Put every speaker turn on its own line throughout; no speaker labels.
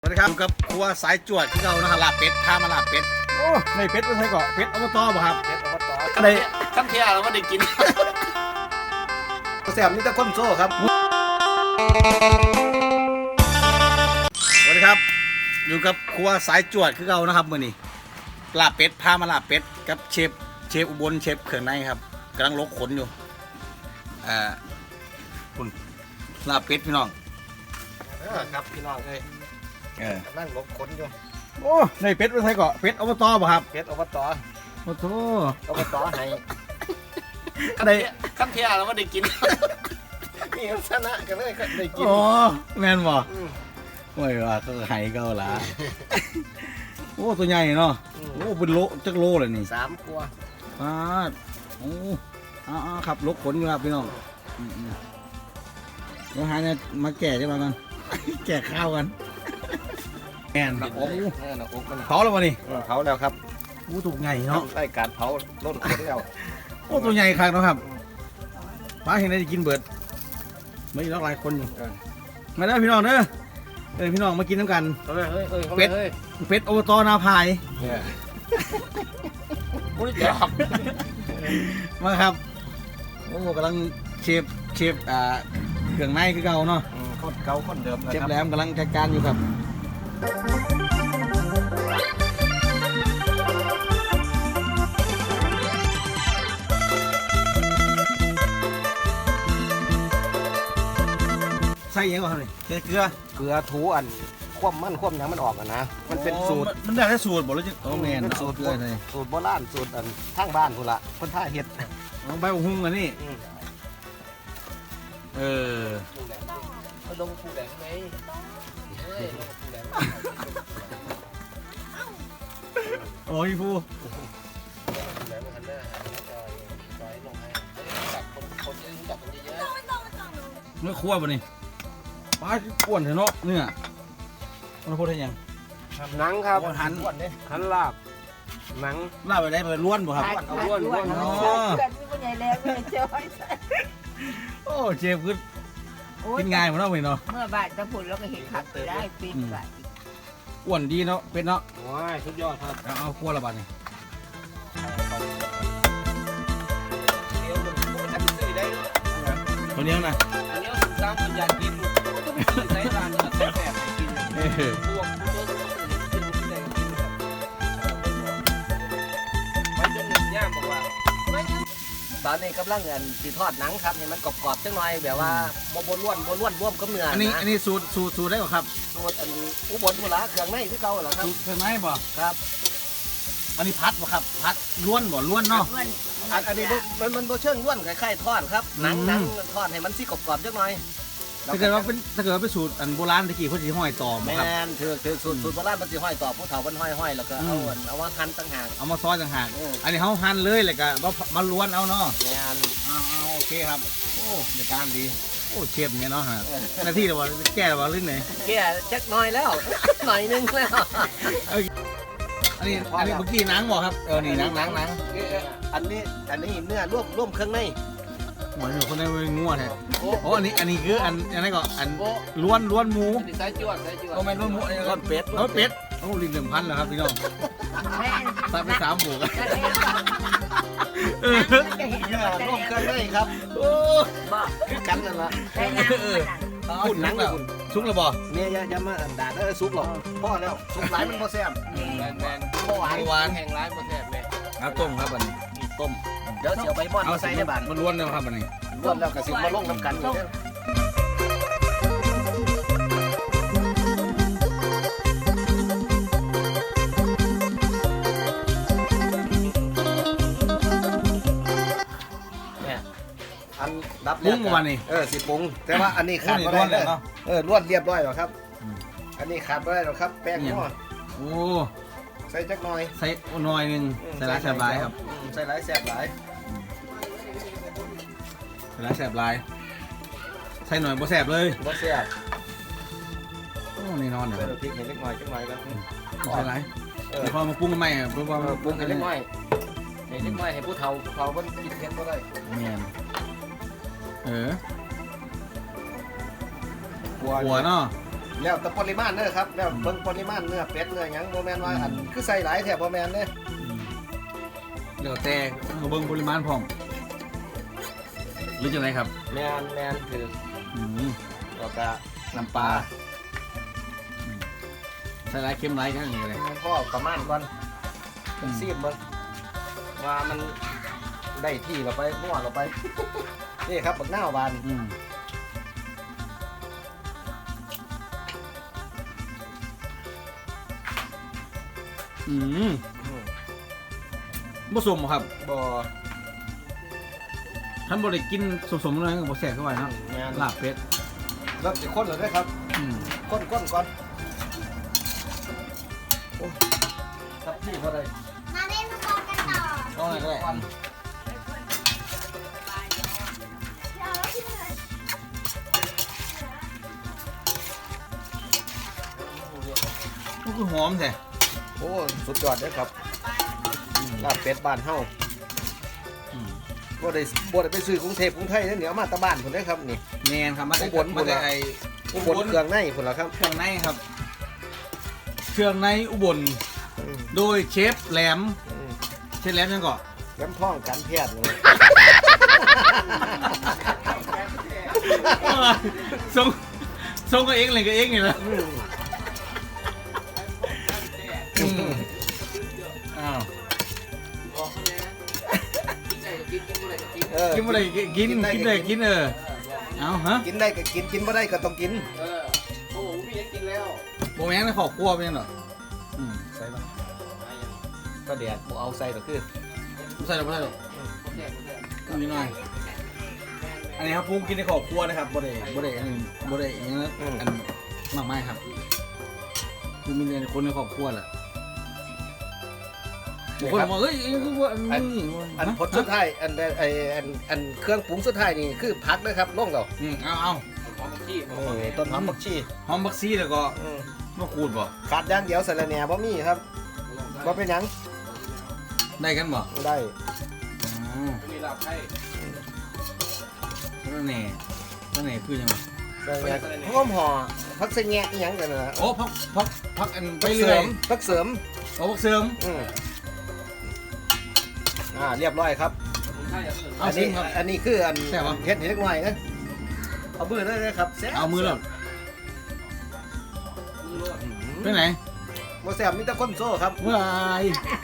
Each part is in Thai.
สวัสดีครับอยู่กับครัวสายจวดที่เรานะฮะลาบเป็ดพามาลาบเป็ดโอ้ในเป็ดไม่ใช่ก่อเป็ดอบตบ่ครับ
เฮ็ดอบต
อะไร
ขั้นเทียเราไม่ได้กิน
แซ่บนี่ตะก้นโซ่ครับสวัสดีครับอยู่กับครัวสายจวดที่เรานะครับมื้อนี้ลาบเป็ดพามาลาบเป็ดกับเชฟอุบลเชฟเครื่องในครับกำลังลกขนอยู่คุณลาบเป็ดพี่น้อง
ครับพี่น้องเลยกำลังลบขนอยู่
โอ้ในเป็ดไม่ใช่ก่อเป็ดอบตบ่ครับ
เฮ็ดอบต
โอ้โห
อบตให้
อะไร
ขั้นเทียเราไม่ได้กินนี่ชนะกันเลยก็ได้กิน
โอ้แม่นบ่ไม่ว่าก็ไห้เก่าละ โอ้ตัวใหญ่เนาะโอ้เป็นโลจักโลเลยนี่
3 ตัว
ปาดโอ้ครับลกขนอยู่ครับพี่น้องเดี๋ยวหาเนี่ยมาแก่ใช่ไหมกัน แก่ข้าวกันแอนโอ้
นะอกมัน
เผาแล้ววะนี่
เผาแล้วครับ
โอ้ตัวใหญ่เนาะ
ได้การเผาล้นขนแล้ว
โอ้ตัวใหญ่ครับเนาะครับป้าเห็นได้กินเบิดไม่มีหลายคนอยู่มาเด้อพี่น้องเด้อพี่น้องมากินน้ำกัน เป็ดอบตนาพาย
มุ้ยจับ
มาครับโอ้กำลังเชฟเครื่องในคือเก่าเนาะ
คนเก่าคนเดิม
เชฟแหลมกำลังจัดการอยู่ครับใส่ยังก่อนเลยใส่เกลือ
เกลือถูอันคว่ำมันยังมันออกอ่ะนะมันเป็นสูตร
มันได้แค่สูตรบอกแล้วจะโอ้แมน
เป็น
สู
สู
ต
ต
ร
ร
เกลือเลย
สูตรโบราณสูตรอันทางบ้านพุ่นละคนท่าเฮ็ด
เอาใบหุ้งอันนี้เออ
เขาลงผู้แหลงไหมเฮ้ยลงผู้แหลง
โอ้ยผู้
ผู้แหลงมันหันหน้าหาจอยลงให้จับคนที่รู้จักคนเยอะ
เนื้อคั่วป่ะนี่ปลาอ้วนเถอะเนาะเนื้อมันพูดได้ยัง
หนังครับ
หัน
หันลาบหนัง
ลาบไปได้ไปล้วนบ่ครับ
เอาล้วน
อ๋อ
เพื่อนผู้ใหญ่แล้วไม่เจอ
โอ้เชฟคือกินง่ายหมดเนาะเว้ยเนาะ
เมื่อบาทจะผุดแล้วก็เห็นขับไปได้ปีนบาท
อ้วนดีเนาะเป็ดเนาะ
ว้ายสุดยอดครับ
เอาคั่วละบาดนี่
เดี๋ยวผมจะซื้อได้
ตัวนี้นะ
อันนี้ผมสร้างคนอยากกินต้องไปซื้อใช้ร้านแซ่บๆกินพวกตัวกินที่ไหนกินครับมันจะหนึ่งย่างบอกว่าตอนนี้กำลังสีทอดหนังครับให้มันกรอบๆจังหน่อยแบบว่าบนล้วนร่วมกับเนื้อ
อันนี้สูตรได้ป่ะครับ
สูตรอันอุบลบุระเครื่องในที่เก่าเหรอครับ
สูตรเคยไหมบ่
ครับ
อันนี้พัดบ่ครับพัดล้วนบ่ล้วนเนาะ
อันนี้มันโบเชิงล้วนคล้ายๆทอดครับหนังทอดให้มันสีกรอบๆจังหน่อย
ถ้าเกิดว่าเป็นสูตรอันโบราณตะกี้เขาสิห้อยต่อ
แม
บ่ครับ
นถือสูตรโบราณมันสิห้อยต่อผู้เฒ่ามันห้อยแล้วก็เอามาหั่นต่างหาก
เอามาซอยต่างหากอันนี้เขาหั่นเลยแล้วก็มาล้วนเอาเนาะ
แมน
เอาโอเคครับโอ้ในการดีโอ้เชฟเนี่ยเนาะฮะหน้าที่เราว่าแก้เราว่าเรื่องไหน
แก่จักหน่อยแล้ว หน่อยนึงแล้ว
อันนี้เมื่อกี้หนังบ่ครับนี่หนัง
อันนี้เนื้อร่วมเครื่องใน
หัวหนูคนนั้นเป็นงัวแท้โอ้อันนี้คืออันนั้นก็อันล้วนหมู
ใส่จวด
ก็แม่นล้วนหมูอันนี้ก็เป็ดโอ้ลิ้น1,000แล้วครับพี่น้องใส่ไป3บุก
จะเห็น
เนื้อร่วมเครื่องในครับ
โอ้
คือกันนั่นละ
ได้น้ำ
หุ่นหนังแล้วซุกแล้วบ่
เนี่ยอย่ามาด่าซุปหรอกพ่อแล้วซุปหลายมันพอแซ่บแมนพ่อหวานแห้งร้ายพอแซ่บเลย
ครับต้มครับอันนี้
ต้มเดี๋ยวเสียวใบมอนมาใส่ในบ้าน
มันล้วนแล้วครับอันนี้
รวมแล้วก็สิมาลงน้ำกันอยู่อันดับ
ปรุงวันนี้
สิปรุงแต่ว่าอันนี้ขาดไม่ได้เลยล้วนเรียบร้อยแล้วครับอันนี้ขาดไม่ได้หรอกครับแป้งนัว
โอ้
ใส่จักหน่อย
ใส่หน่อยนึงใส่หลายแสบหลายครับ
ใส่หลายแสบหลาย
ใส่หลายแสบหลายใส่หน่อยบ่แสบเลย
บ่แซ่บ
โอ้นี่นอนเนี่ย
ใส่พริกเห็นเล็กน้อยจักหน่อยแล้ว
ใส่หลายเดี๋ยวพอมาปรุงกันใหม่เพื่อความ
ปรุงให้เล็กน้อยให้เล็กน้อยให้ผู้เฒ่าเพิ่นกินเผ็ดบ่ได้
เนี่ยหัว
หัว
เนาะ
แแล้วแต่ปริมาณเด้อครับแล้วเบิ่งปริมาณเนื้อเป็ดเนื้อหยังบ่แม่นว่าอันคือใส่หลายแท้บ่แม่นเด้
เดี๋ยวแต่เอาเบิ่งปริมาณพร้อมหรือจังไงครับ
แม่นคือ
อืม
แล้วก็
น้ำปลาใส่หลายเค็มหลายกันอย่างเงี้ยเลย
พ่อประมาณก่อนซีบเบิ่งว่ามันได้ที่เราไปมั่วเราไป นี่ครับบักหน้าวบาน
ผสมครับ
บ่
ท่านบริกินสมๆเลยบ่แสกเข้าไปเนาะ
แม่น
ลาบเป็ด
เริ่มสิข้นแล้วเด้อครับข้นก่อนโอ้ครับพี่บ่ได้
มาเล่นฟุตบอลกันต่อ
ก็อะไรก็ได้ก็คือหอมแท้
โอ้สุดยอดเด้อครับลาบเป็ดบ้านเฮาบ่ได้ไปซื้อกรุงเทพกรุงไทยเด้อเหนียวมาแตะบ้านพุ่นเด้อครับนี่
แมนครับมาได้
อุบล
มาได้ไอ
อุบลเครื่องในพุ่นล่ะครับ
เครื่องในครับ เครื่องในอุบลโดยเชฟแหลมเชฟแหลมยังก่อน
ย้ำท้องกันแพทย์เลย
ส่งก็เองเลยก็เองนี่แหละอ้าว กินอะไรกินเลยกินเอาฮะ
กินได้ก็กินกินบ่ได้ก็ต้องกิน
โบแมงนะขอบครัวเป็นยังหรอใส่ป่ะ
ก็เดี๋ยวบ่เอาใส่ก็คือ
ไม่ใส่หรอกไม่ใส่หรอกนิดหน่อยอันนี้ครับพุงกินในขอบครัวนะครับโบเดอันนี้โบเดอย่างนี้อันมากมายครับคือมีคนในครอบครัวแหละคนบอกเฮ้ยคือว่า
อันผลสุดท้ายอันเครื่องปรุงสุดท้ายนี่คือผักนะครับลงเรา
เอา
ต้นหอมผักชี
หอมบักซีแล้วก็มะกรูดบ่
ขาดอย่างเดียวสะระแหน่บ่มีครับบ่เป็นหยัง
ได้กันบ่
ได้
มีลาบไข่นั่นแน่คือยังไง
หอมห่อผักสะแงะอีหยังกันน่ะ
โอ้พักอันไปเรื่อย
ผักเสริม
โอ้พักเสริม
เรียบร้อยครับ
เอาซิครับ
อันนี้คืออัน
แซ่บปะ
เฮ็ดให้เล็กน้อยนะเอามือเลยนะครับแซ่บ
เอามือหรอไปไหน
บ่แซ่บมีแต่คนโซ่ครับ
เมื่อไร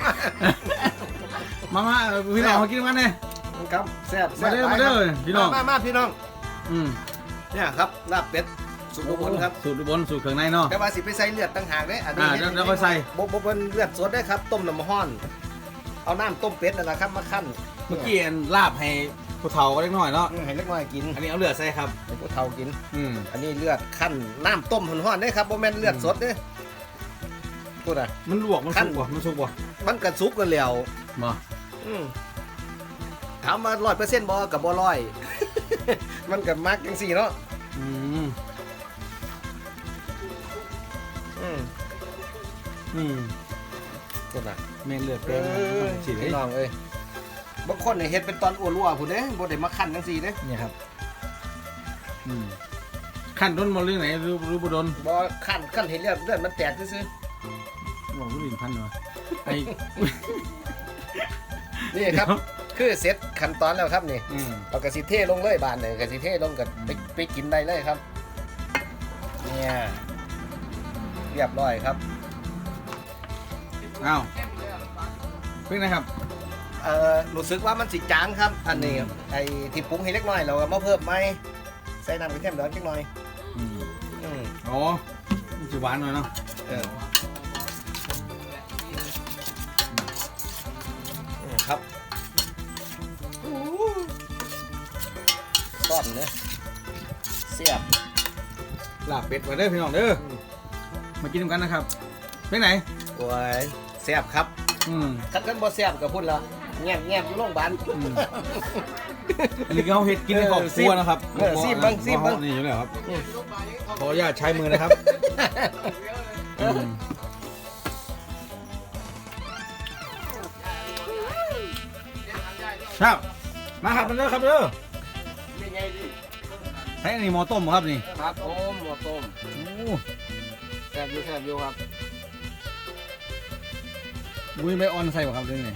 มาพี่น้องมากินกันเนี่ย
ครับแซ่บ
มาเด้อมาเด้อพี่น้อง
มาพี่น้อง
อืม
เนี่ยครับลาบเป็ดสูตรอุบลครับ
สูตรอุบลสูตรเครื่องในเนาะ
แต่ว่าสิไปใส่เลือดต่างหากเด้อันนี้
แล้วก็ใส่
บ่เป็นเลือดสดได้ครับต้มน้ำร้อน เอาน้ำต้มเป็ดนั่นแหละครับมาคั่น
เมื่อกี้ลาบให้ผู้เฒ่าก็เล็กน้อยเนาะ
ให้เล็กน้อยกิน
อันนี้เอาเลือดใส่ครับ
ให้ผู้เฒ่ากิน
อืม
อันนี้เลือดคั่นน้ำต้มร้อนๆได้ครับบ่แม่นเลือดสดเด้พูดอ่ะ
มันลวกมันสุกบ่มันสุกบ่
มันกระสุกกันแล้ว
บ่
ถามว่า100%บ่กับบ่ร้อย มันก็มักจังซี่เนาะ
อืม
พูดอ่ะ
แม่นเลือดแป้งฉีดให้
พี่น้องเอ้ยบางคนเนี่ยเฮ็ดเป็นตอนอ้วนรัวพุ่นเด้บ่ได้มาคั่นจังซี่เด้
เนี่ยครับขั้นต้นมาเรื่องไหนหรือบุดน
บ่คั่นเห็นเลือดมันแตกซื่อ
บอกผู้หญิงพันเหรอไอ้
ๆนี่ครับ คือเสร็จขั้นตอนแล้วครับนี่เรากระสิเทลงเลยบานเลยกระสิเทลงกันไปกินได้เลยครับเนี่ยเรียบร้อยครับ
อ้าวเป็นไงครับ
รู้สึกว่ามันสิจางครับ อันนี้ไอ้ที่ปรุงให้เล็กน้อยเราก็มาเพิ่มไหมใส่น้ำกระเทียมดองนิดหน่อย
อ๋อมันจะหวานหน่อยเนาะ
ครับต้อนเนื้อเสียบ
ลาบเป็ดมาเด้อพี่น้องเด้อมากินกันนะครับเป็นไหน
โอ้ยเสียบครับคัดกันบ่เสียบกับพุ่นละแง่มอยู่โรงพยาบาล
อันนี้เขาเห็ดกินในครอบครัวนะครับ
ซีบบ้าง
นี่อยู่แล้วครับขออนุญาตใช้มือนะครับครับมาครับมันเด้อครับเด้อใช้อันนี้หม้อต้มครับนี่
ครับโอ้หม้อต้ม
โอ้
ซ่บอยู่ครับ
บุ้ยใบออนใส่บ่ครับเรื่องไหน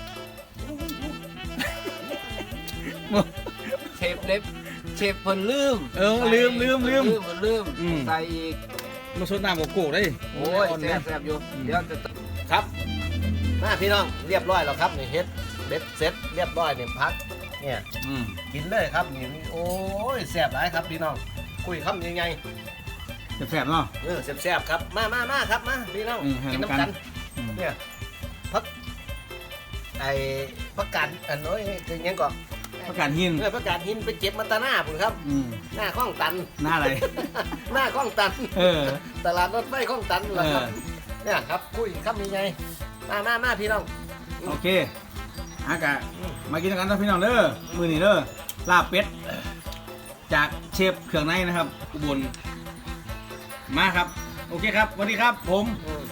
เชฟเล็บเชฟเพิ่นลืม
ลืม
เพิ่นลืม
อืม
ใส่อีก
มาสดน้ำโกได้
โอ้ย
ออน
แซ่
เนี่ย
บแซ่บอยู่เดี๋ยวจะครับมาพี่น้องเรียบร้อยแล้วครับนี่เฮ็ดเบ็ดเสร็จเรียบร้อยนี่พักเนี่ย
อืม
กินเลยครับนี่โอ้ยแซ่บหลายครับพี่น้องคุยคำยังไง
แสบๆเนาะ
แซ่บๆครับมาครับมาพี่น้อง
ให้
กิน
น้ำ
น้ำ
กั
กัน นเนี่ยพักไอ้พักกันอันน้อยคือยังก่อน
ประกาศหิน
พักกาดหินไปเก็บมาตาหน้าผมครับ
อืม
หน้าข้องตัน
หน้าอะไร
หน้าข้องตัน
เออ
ตลาดรถไฟข้องตันเหรอครับเนี่ยครับคุยคำยังไงมาพี่น้อง
โอเคอากะมากินกันนะพี่น้องเด้อมือนี่เด้อลาบเป็ดจากเชฟเครื่องในนะครับอุบลมาครับโอเคครับสวัสดีครับผม
อืม